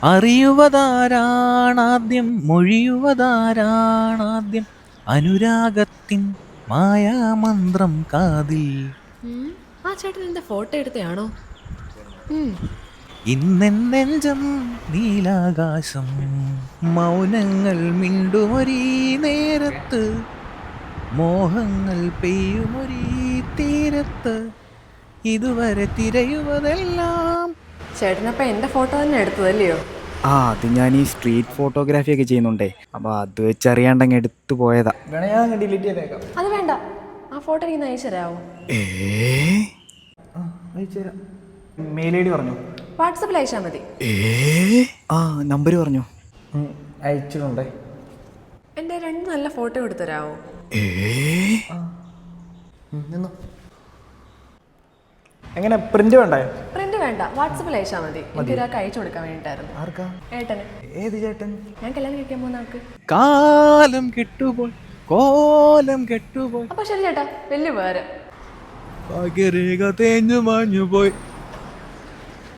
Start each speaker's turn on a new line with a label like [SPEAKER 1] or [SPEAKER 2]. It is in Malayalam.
[SPEAKER 1] അറിയുവതാരാണാദ്യം മൊഴിയുവതാരാണാദ്യം അനുരാഗത്തിൻ മായാമന്ത്രം കാതിൽ.
[SPEAKER 2] ആ ചേട്ടൻ എന്റെ ഫോട്ടോ എടുത്തയാണോ?
[SPEAKER 1] ഇന്നെൻ നെഞ്ചം നീലാകാശം മൗനങ്ങൾ മിണ്ടുമൊരീ നേരത്ത് മോഹങ്ങൾ പെയ്യുമൊരീ തീരത്ത് ഇതുവരെ തിരയുവതെല്ലാം.
[SPEAKER 2] ചേട്ടനപ്പ എന്റെ ഫോട്ടോ തന്നെ എടുത്തതല്ലയോ?
[SPEAKER 3] അത് ഞാൻ ഈ സ്ട്രീറ്റ് ഫോട്ടോഗ്രാഫി ഒക്കെ ചെയ്യുന്നുണ്ടേ, അപ്പോൾ അത് വെച്ചറിയാണ്ടങ്ങ് എടുത്തു പോയതാ. ഡിലീറ്റ് ചെയ്തേക്കാം.
[SPEAKER 2] അത് വേണ്ട, ആ ഫോട്ടോ എനിക്ക് അയച്ചു തരാമോ?
[SPEAKER 3] അയച്ചുതരാം. മെയിൽ ഐ ഡി പറഞ്ഞു.
[SPEAKER 2] വാട്സപ്പിൽ അയച്ചാൽ മതി.
[SPEAKER 3] നമ്പർ പറഞ്ഞു.
[SPEAKER 1] അയച്ചിട്ടുണ്ടേ.
[SPEAKER 2] എൻ്റെ 2 നല്ല ഫോട്ടോ എടുത്തു തരാമോ?
[SPEAKER 3] എങ്ങനെ, പ്രിന്റ് വേണ്ടേ?
[SPEAKER 2] പ്രിന്റ് വേണ്ട, വാട്സപ്പിൽ അയച്ചാൽ മതി. എനിക്ക് ഒരാൾക്ക് അയച്ചു കൊടുക്കാൻ വേണ്ടിയിട്ടായിരുന്നു.
[SPEAKER 3] ആർക്കാ?
[SPEAKER 2] ഏട്ടന്.
[SPEAKER 3] ഏത് ചേട്ടൻ?
[SPEAKER 2] ഞാൻ കല്യാണം കഴിക്കാൻ പോകുന്ന ആൾക്ക്.
[SPEAKER 1] കാലം കെട്ടുപോയി കോലം കെട്ടുപോയി
[SPEAKER 2] അപ്പൊ ശരി ചേട്ടാ, വലിയ ഉപകാരം.
[SPEAKER 1] ഭാഗ്യരേഖ തേഞ്ഞു മാഞ്ഞു പോയി.